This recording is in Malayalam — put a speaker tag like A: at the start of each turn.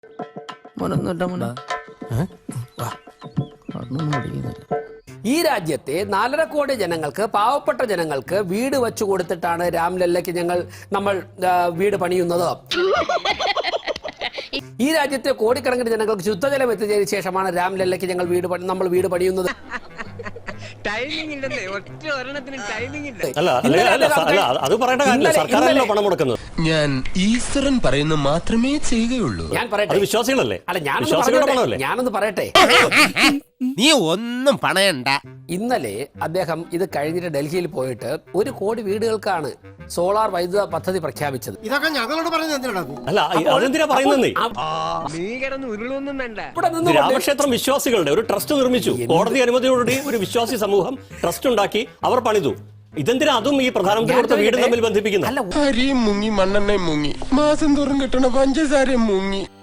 A: ഈ രാജ്യത്തെ 4.5 കോടി ജനങ്ങൾക്ക്, പാവപ്പെട്ട ജനങ്ങൾക്ക് വീട് വെച്ചു കൊടുത്തിട്ടാണ് രാംലല്ലയ്ക്ക് നമ്മൾ വീട് പണിയുന്നത്. ഈ രാജ്യത്തെ കോടിക്കണക്കിന് ജനങ്ങൾക്ക് ശുദ്ധജലം എത്തിച്ചതിന് ശേഷമാണ് രാംലല്ലയ്ക്ക് നമ്മൾ വീട് പണിയുന്നത്.
B: ഞാൻ ഈശ്വരൻ പറയുന്നത് മാത്രമേ ചെയ്യുകയുള്ളൂ.
A: ഞാൻ പറയട്ടെ,
C: വിശ്വാസികളല്ലേ?
A: അല്ല ഞാനൊന്ന് പറയട്ടെ.
B: നീ ഒന്നും പണയണ്ട.
A: ഇന്നലെ അദ്ദേഹം ഇത് കഴിഞ്ഞിട്ട് ഡൽഹിയിൽ പോയിട്ട് 1 കോടി വീടുകൾക്കാണ് സോളാർ വൈദ്യുത പദ്ധതി പ്രഖ്യാപിച്ചത്.
D: ഇതൊക്കെ ഞങ്ങളോട് പറയുന്നത്
C: രാമക്ഷേത്രം വിശ്വാസികളുടെ ഒരു ട്രസ്റ്റ് നിർമ്മിച്ചു. കോടതി അനുമതിയോടുകൂടി ഒരു വിശ്വാസി സമൂഹം ട്രസ്റ്റ് ഉണ്ടാക്കി അവർ പണിതു. ഇതെന്തിനാ അതും ഈ പ്രധാനമന്ത്രി കൊടുത്ത വീട് തമ്മിൽ ബന്ധിപ്പിക്കുന്നത്?
B: അരിയും മുങ്ങി, മണ്ണെണ്ണയും മുങ്ങി, മാസം തോറും കിട്ടണ പഞ്ചസാരയും മുങ്ങി.